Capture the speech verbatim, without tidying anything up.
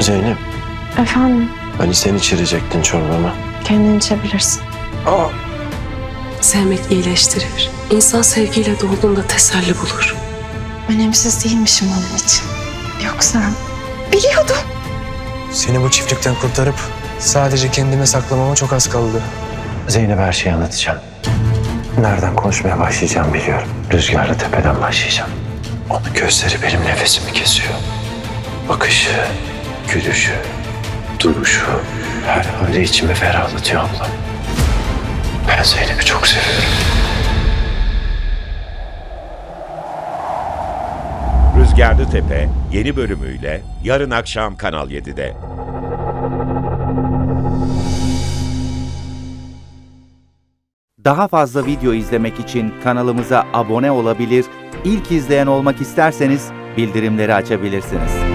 Zeynep, Efendim, hani sen içirecektin çorbamı. kendin içebilirsin. Aa, Sevmek iyileştirir. İnsan sevgiyle dolduğunda teselli bulur. Önemsiz değilmişim onun için. Yoksa biliyordum. Seni bu çiftlikten kurtarıp sadece kendime saklamama çok az kaldı. Zeynep'e her şeyi anlatacağım. Nereden konuşmaya başlayacağım biliyorum. Rüzgarlı tepeden başlayacağım. Onun gözleri benim nefesimi kesiyor. Bakışı, gülüşü, duruşu, her hali içimi ferahlatıyor abla. Ben Zeynep'i çok seviyorum. Rüzgarlı Tepe yeni bölümüyle yarın akşam Kanal yedide. Daha fazla video izlemek için kanalımıza abone olabilir, ilk izleyen olmak isterseniz bildirimleri açabilirsiniz.